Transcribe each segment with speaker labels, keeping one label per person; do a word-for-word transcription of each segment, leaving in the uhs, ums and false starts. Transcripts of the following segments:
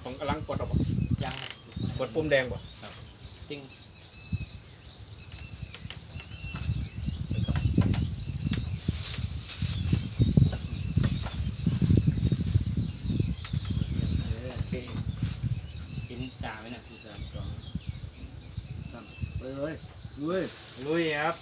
Speaker 1: ของกำลังกดออกยังกดปุ่มแดงบ่ครับจริงกินจ่าไหมเนี่ยพี่เสริมก่อน
Speaker 2: ไปเลยลุย
Speaker 1: ลุยครับ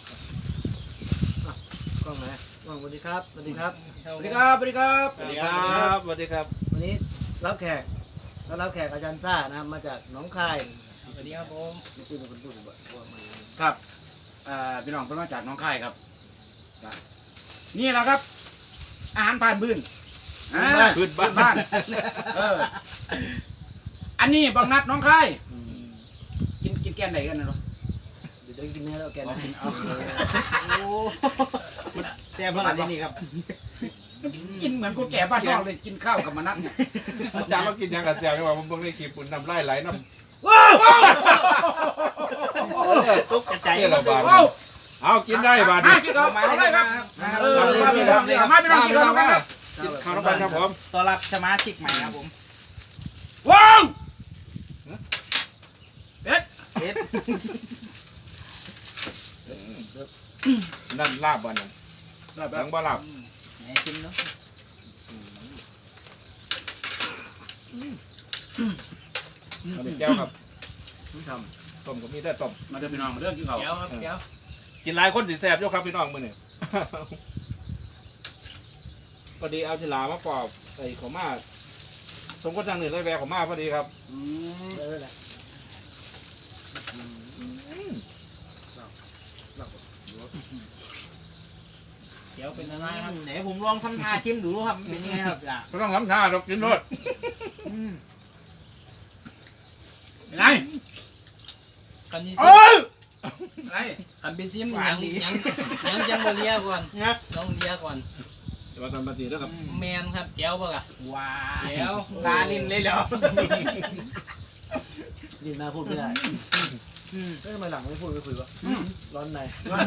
Speaker 2: กล้องไหนกล้องสวัสดีครับสวัสดีครับ
Speaker 1: สวัสดีครับสวัสดีครับสวัสดีครับสวัสดีครับ
Speaker 2: วันนี้รับแขกรับแขกอาจารย์ซ่านะมาจากหนองคาย
Speaker 1: สวัสดีครับผม
Speaker 2: นี่คือเป็นคนพูดบ่ว่ามัน
Speaker 3: ครับพี่น้องเพิ่นมาจากหนองคายครับนี่แหละครับอาหารผ่านพื้น
Speaker 1: พื้นบ้าน
Speaker 3: เอออันนี้บางนัดหนองคายกินกินแกงไหนกันนะเนาะ
Speaker 2: เดี๋ยวจะกินเนื้อแล้วแกนะ
Speaker 1: โอ้แซ่บมากที่นี่ครับ
Speaker 3: กินเหมือนกูแก่บ้านนอกเลยกินข้าวกับมนัดเนี่ย
Speaker 1: อาจารย์มากินยังกับแซ่บไม่ว่าผมเพิ่งได้คลิปปุ่นน้ำไล่ไหลน้ำ
Speaker 3: ว้าว
Speaker 1: ตุ๊กกระจาย
Speaker 3: เรา
Speaker 1: บ้านเอากินได้บ้าน
Speaker 3: นี้กินเอาเอาได้ครับเออมาพี่น้องมาพี่น้องกินข้าวกันครับ
Speaker 1: กินข้าวกันครับผม
Speaker 4: ต้อนรับสมาชิกใหม่ครับผม
Speaker 3: ว้าว
Speaker 4: เอ็ดเอ็ด
Speaker 1: นั่นลาบบ้านนั้นลาบหลังบ้านลาบ
Speaker 4: ไหนกินเนาะ
Speaker 1: มาเป็นแก้วครับต้มก็มีแต่ต้ม
Speaker 3: มาเดินพี่น้องมาเดินกินข้าว
Speaker 4: แก้วครับแก้ว
Speaker 1: กินหลายคนสิแซ่บยกครับพี่น้องมื้อนี้พอดีเอาฉลามาปอกใส่ขม่าสมก็จังหนึ่งเลยแวะขม่าพอดีครับ
Speaker 2: อืมเออแหละ
Speaker 4: เดี๋ยวเป็นอะไรครับไหนผมลองทำท่าชิมดูครับเป็นยังไงครับจ้ะ
Speaker 1: ก็ต้องทำท่าเรากินรส
Speaker 3: ไง
Speaker 4: กันนี่
Speaker 3: เอ้ยไง
Speaker 4: กันเป็นซิมยังยังยังยังบเลียก่อนนะต้องเลียก่อน
Speaker 1: จะมาทำปฏิแล้วครับ
Speaker 4: แมนครับแก้วป่ะว้าแก้วตาลิ้นเลยเหรอ
Speaker 2: ยินมาพูดไม่ได้เฮ้ยทำไมหลังไม่พูดไม่คุยวะร้อนใน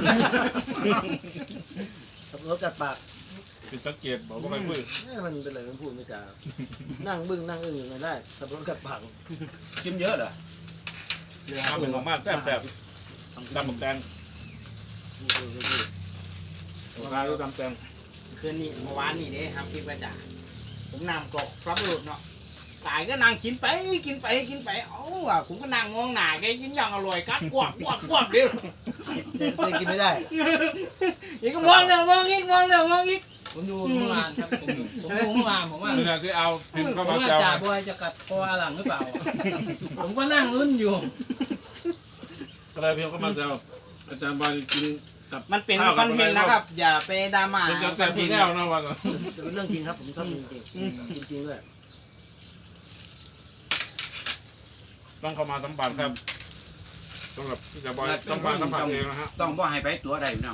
Speaker 2: ขับรถจัดปาก
Speaker 1: เป็นสังเกตบอกว่าไม่พูด
Speaker 2: มันเป็นอะไรมันพูดไม่จานั่งบึ้งนั่งอึ้งอยู่ไม่ได้ขับรถจัดปาก
Speaker 3: ชิมเยอะเหรอ
Speaker 1: ทำเป็นของมากแซ่บแซ่บดำหมกแดงโอ้ยดำแดง
Speaker 4: คืนนี้เมื่อวานนี่เด้ทำคลิปประจ่าผมนำกรอกฟับหลุดเนาะตายก็นั่งกินไปกินไปกินไปเอ้าว่ะผมก็นั่งมองหน้าแกกินอย่างอร่อยกัดกวบกวบกวบเดียว
Speaker 2: เลยกินไม่ได้
Speaker 4: ยังก็มองเดี๋ยวมองอีกมองเดี๋ยวมองอีกผมดูเมื่อวานครับผมดูผมดูเมื่อวานผมว่า
Speaker 1: คือเอาพิมพ์เข้ามา
Speaker 4: จ่าบอยจะกัดคอหลังหรือเปล่าผมก็นั่งลุ้นอยู่
Speaker 1: ก็เลยพิมพ์เข้ามาแซวอาจารย์บอยกิน
Speaker 4: มันเป็นคอนเทนต์นะครับอย่าไปดราม่า
Speaker 1: เป็นการแต่งแนวนะวัน
Speaker 2: เป็นเรื่องจริงครับผมชอบจริงจริงจริงด้วย
Speaker 1: ต้องเข้ามาสัมผัสครับต้องแบบจะบอยต้องมาสัมผัสเองนะฮะ
Speaker 3: ต้องบ่ให้ไปตัวใดพี่น้อง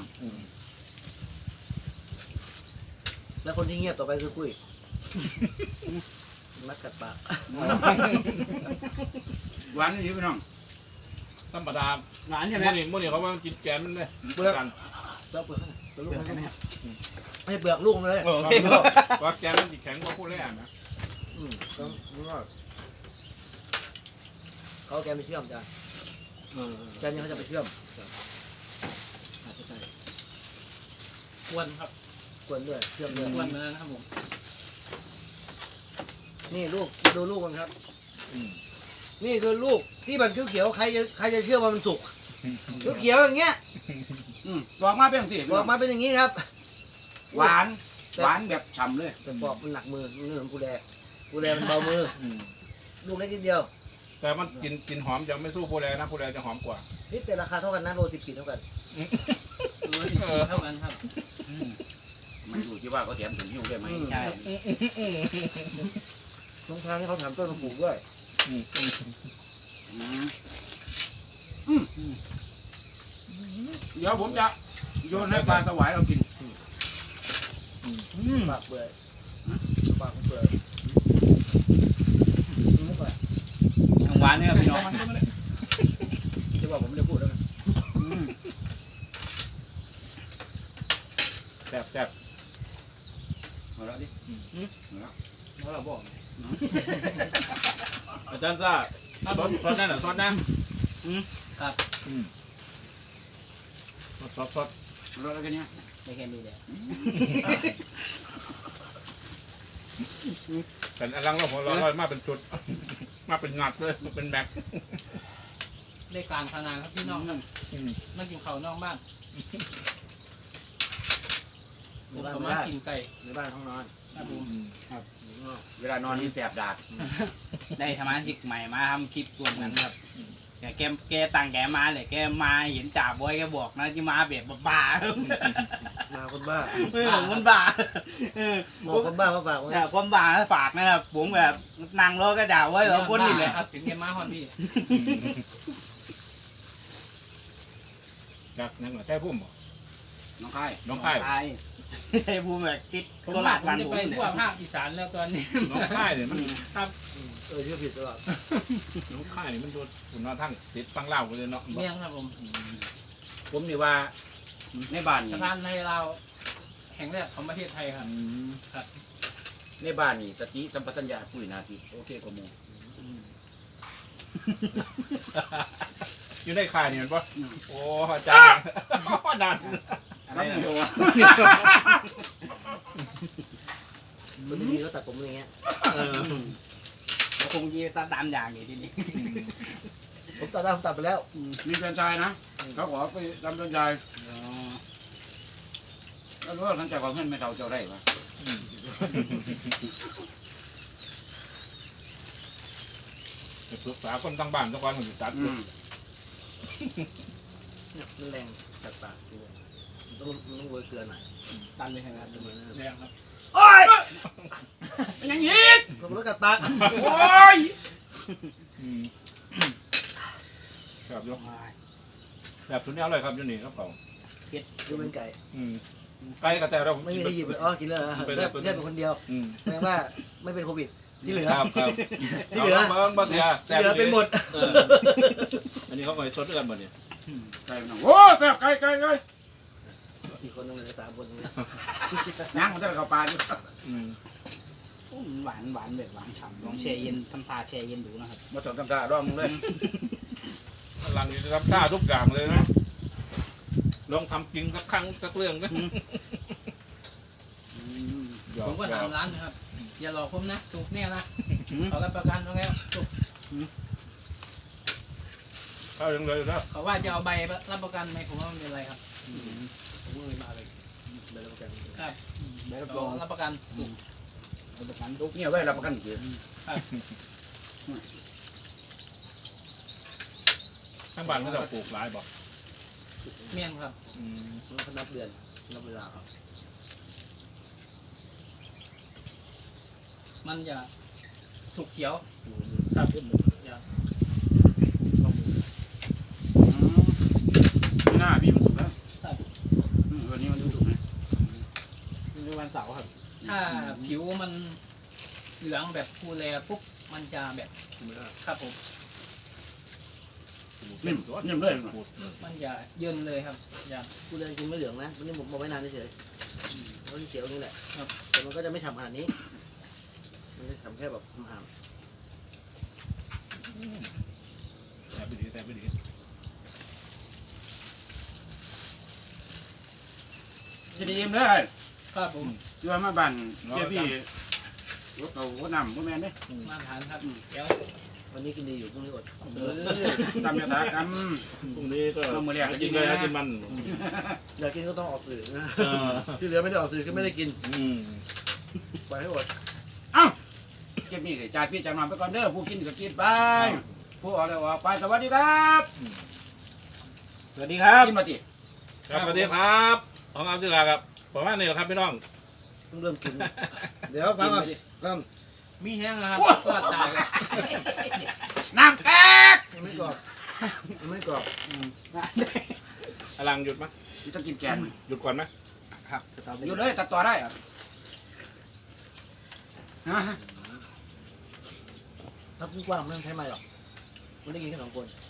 Speaker 2: แล้วคนที่เงียบต่อไปคือกุ้ยนักกัดปาก
Speaker 3: หวานนี่พี่น้อง
Speaker 1: ธรรมดา
Speaker 4: หวานใช่ไหม
Speaker 1: มื่อนี้มื่อนี้เขาว่ากินแกนมันเลย
Speaker 2: เปลือกเปลือกเปลือกเปลือกลูกมันไม่ไม่เปลือกลูกมันเลย
Speaker 1: ว่าแกนมันแข็งกว่าพูดเลยอ่ะนะ
Speaker 2: อืมต้องรู้ว่าเขาแกไปเชื่อมจ้ะแกนี่เขาจะไปเชื่อม
Speaker 4: กวนครับ
Speaker 2: กวนด้วยเชื่อมด้วย
Speaker 4: กวนเหมือนกันครับผม
Speaker 2: นี่ลูกดูลูกมันครับนี่คือลูกที่มันเขียวๆใครจะใครจะเชื่อว่ามันสุกเขียวๆอย่างเงี้ย
Speaker 3: บอกมาเป็นสิ
Speaker 2: บอกมาเป็นอย่างนี้ครับ
Speaker 3: หวานหวานแบบฉ่ำเลย
Speaker 2: แต่บอกมันหนักมือมันเหมือนกูแดกูแดมันเบามือลูกเล็กนิดเดียว
Speaker 1: แต่มันกินกินหอมจะไม่สู้โพแลนะโพแลจะหอมกว่า
Speaker 2: นี่แต่ราคาเท่ากันนะโลสิบขีดเท่ากัน
Speaker 4: โลสิบขีดเท่ากันครับ
Speaker 3: มันอยู่ที่ว่าเขาแถมถึงหิ้วได้ไหม
Speaker 4: ใช่
Speaker 2: ตรงทางที่เขาแถมต้นมะกรูดด้วย
Speaker 3: เดี๋ยวผมจะโยนให้ปลาสวายเรากิน
Speaker 2: ปากเปื่อยปากเปื่อย
Speaker 3: หวานเนี่ยพี่น้อง
Speaker 2: ที่ว่าผมไม่ได้พูดแล้วนะ
Speaker 1: แซ่บแซ่บ
Speaker 3: เอาละดิ
Speaker 4: แล้วเราบอก
Speaker 1: อาจารย์ซ่าซอสซอสนั่นเหรอซอสนั่น
Speaker 4: อืมครับ
Speaker 1: อืมซอสซอส
Speaker 3: รถอะไรกันเนี่ย
Speaker 4: ได้แค่นี้แหละ
Speaker 1: แต่อลังเราหัวเราะมาเป็นชุด มาเป็นงัดเลยเป็นแม็ก
Speaker 5: ได้การขนาดครับพี่น้องครับ
Speaker 1: อืม
Speaker 5: มากินข้าวนอกบ้าน
Speaker 2: ใน
Speaker 5: ผม
Speaker 2: บ้าน
Speaker 5: ก็
Speaker 2: ไม่
Speaker 5: มา
Speaker 2: ได้
Speaker 5: กินไก่
Speaker 2: ในบ้านห้องนอน
Speaker 5: ครับผม
Speaker 3: เวลานอนนี่แสบดาก
Speaker 4: ได้สมาชิกใหม่มาทำคลิปรวมกันครับแกแกแกต่างแกมาเลยแกมาเห็นจ่าบอยแกบอกนะที่มาแบบบ้าๆ
Speaker 2: มาคนบ้า
Speaker 4: เออคนบ้าเออ
Speaker 2: บอกคนบ้ามาฝากไว้
Speaker 4: เนี่ยความบ้าฝากนะครับผมแบบนั่งรถก็จ่าไว้แล้วคนนี่แหละ
Speaker 5: ครับถึงแกมาฮอนพี่
Speaker 1: จากนั่นเหรอแท้พุ่มเหรอ
Speaker 3: น้องค่าย
Speaker 1: น้องค่าย
Speaker 4: ใช่ไอ้ภูมิแบบติด
Speaker 5: ผม
Speaker 4: โค
Speaker 5: ว่า
Speaker 4: ราช
Speaker 5: ผม
Speaker 4: บ้าน
Speaker 5: จะ
Speaker 4: ผม
Speaker 5: ไป
Speaker 4: เนี่
Speaker 5: ทั่วย ภาคอีสานแล้วตอนนี้
Speaker 1: น้องค่ายเนี่ยมัน
Speaker 2: เออชื่อผิดตลอด
Speaker 1: น้องค่ายเนี่ยมันโดนคุณนอนทั้งติดฟังเล่ากันเลยเนาะ
Speaker 5: เมี่ยงครับผม
Speaker 3: ผมนี่ว่าในบ้านนี่
Speaker 5: สะพานในเราวแห่งแรกของประเทศไทยครับ
Speaker 1: อืม
Speaker 3: ในบ้านนี่สติสัมปชัญญะปุ้ยนาทีโอเคกว่าหมู
Speaker 1: อยู่ในค่ายนี่มันปะโอ้อาจารย์ดัน
Speaker 3: อะไรนะ
Speaker 2: คนดีๆก็ตัดผมอย่างเงี้ย
Speaker 1: เออ
Speaker 4: คงยีตาดำอย่างนี้ทีนี้
Speaker 2: ผมตัดได้ผมตัดไปแล้ว
Speaker 3: มีแฟนชายนะเขาขอไปทำแฟนชายแล้วรู้ว่าท่านจะขอเงินไม่เท่าเจ้าได้ปะ
Speaker 1: ไปปรึกษาคนตั้งบ้านตั้งวันมันอยู่จัด
Speaker 3: อืม
Speaker 2: เนี่ยมันแรงจัดปากทีเดียวมันต้องมันต้องโรยเกลือหน่อย
Speaker 4: ตันเลยครับ
Speaker 2: เหมือน
Speaker 5: เมี่ยงครับ
Speaker 3: โอ้ยเป็นอย่างนี้
Speaker 2: ก็มันกัดปาก
Speaker 3: โอ้ย
Speaker 1: อืมแบบยกแบบทุนนี้อร่อยครับอยูนี่ครับเขา
Speaker 2: ดูเป็นไก่
Speaker 1: อืมไก่กระแตเรา
Speaker 2: ไม่มีใครหยิบเลยอ๋อกินแล้วเหรอ
Speaker 1: เป็น
Speaker 2: เลื
Speaker 1: แล้
Speaker 2: อ
Speaker 1: ว
Speaker 2: ดเลือดเป็นคนเดียว
Speaker 1: อืม
Speaker 2: แสดงว่าไม่เป็นโควิดที่เหลือ
Speaker 1: ครับครับ
Speaker 2: ที่เหลือ
Speaker 1: าเบิ้งบัเสีย
Speaker 2: ที่เหลือเป็นหมด
Speaker 1: เอออันนี้เขาไปซดด้วยกันหมดเนี่ย
Speaker 3: ไก่น้องโอ้แซ่บไก่ไก่ไก่
Speaker 2: อีกคนนึงเลยสามคนตรงนี้
Speaker 3: ย่างมันจะเข้าปลาอยู่
Speaker 1: อืม
Speaker 4: หวานหวานแบบหวานฉ่ำลองแช่เย็นทำทาแช่เย็นดูนะครับ
Speaker 3: มาถอดกำตาดองมึงเลย
Speaker 1: พลังจะทำท่าทุกอย่างเลยนะลองทำจริงสักครั้งสักเรื่องนะหยอ
Speaker 5: ผมก็
Speaker 1: หย
Speaker 5: ถา
Speaker 1: อ
Speaker 5: มร้านนะครับ อย่าหลอกผมนะถูกแน่นะเขารับประกันว่าไงถูก
Speaker 1: เข้ายังเลยนะ
Speaker 5: เขาว่าจะเอาใบรับประกันไหมผมว่าไม่เป็นไรครับ
Speaker 2: ผมก็เลยมาเลยเดินมากัน
Speaker 5: ครับ
Speaker 4: แบบ
Speaker 5: เขารับประกันถูก
Speaker 4: ประกัน
Speaker 3: ลูกเนี่ยไว้รับประกันคือ
Speaker 1: ข้างบ้านเขาจะปลูกหลายบอก
Speaker 5: เมี่ยงครับ
Speaker 1: อืม
Speaker 2: มันเขานับเดือนนับเวลาครับ
Speaker 5: มันจะสุกเขียวครับอย่า
Speaker 3: ไม่น่าพี่มันสุกแล้วอืมวันนี้มันสุกไหม
Speaker 4: ในวันเสาร์ครับ
Speaker 5: ถ้าผิวมันเหลืองแบบฟูแลปุ๊บมันจะแบบครับผม
Speaker 3: นิ่มนิ่มเลย
Speaker 1: ปลูก
Speaker 5: มันจะเยินเลยครับอย่า
Speaker 2: กูเรียนกินไม่เหลืองนะวันนี้ผมบอกไว้นานเฉยๆเพราะที่เขียวนี่แหละ
Speaker 5: ครับ
Speaker 2: แต่มันก็จะไม่ฉ่ำขนาดนี้มันจะฉ่ำแค่แบบหาม
Speaker 1: แต่ไม่ดีแต่ไม่ดี
Speaker 3: จะดีมเลย
Speaker 5: ครับผม
Speaker 3: อยู่มาบ้านเจ้าพี่รถเก่ารถนำพวกแม่เนี่ย
Speaker 5: มาทานครับเดี๋ยว
Speaker 2: ๆวันนี้กินดีอยู่พรุ่งนี้อด
Speaker 3: เออตำยาตากรรม
Speaker 1: พรุ่งนี้ก็
Speaker 3: ต้องมาเรียก
Speaker 1: กินเลยนะ
Speaker 3: กิ
Speaker 1: กิน
Speaker 3: นนะ
Speaker 1: มัน
Speaker 2: อยากกินก็ต้องออกสื่อนะ
Speaker 1: เออ
Speaker 2: ที่เหลือไม่ได้ออกสื่อก็ไม่ได้กิน
Speaker 1: อืม
Speaker 2: ปล่อยให้อด
Speaker 3: เอ้าเก็บนี่เลยจ่ายพี่จ่ายมาไปก่อนเด้อผู้กินก็กินไปผู้ออกแล้วออกไปสวัสดีครับ
Speaker 4: สวัสดีครับ
Speaker 3: กินมาจิ
Speaker 1: ครับสวัสดีครับของอาจิราครับประมาณนี้แหละครับพี่น้อง
Speaker 2: เพิ่งเริ่มกิน เดี๋ยวฟังก่อนเริ่ม
Speaker 5: มีแห้งนะครับก็ตายครับ
Speaker 3: น้ำแตก
Speaker 2: ยังไม่กรอบยังไม่กรอบ
Speaker 1: อลังหยุดไหม
Speaker 3: ที่ต้องกินแกง
Speaker 1: หยุดก่อนไหม
Speaker 4: ครับสตรอเบอ
Speaker 3: อยู่
Speaker 4: รี่
Speaker 3: เลยตัดต่อได้อะฮะ
Speaker 2: ถ้าพูดกว้างไม่ต้องใช้ไม้หรอกมันได้กินแค่สองคน
Speaker 3: อ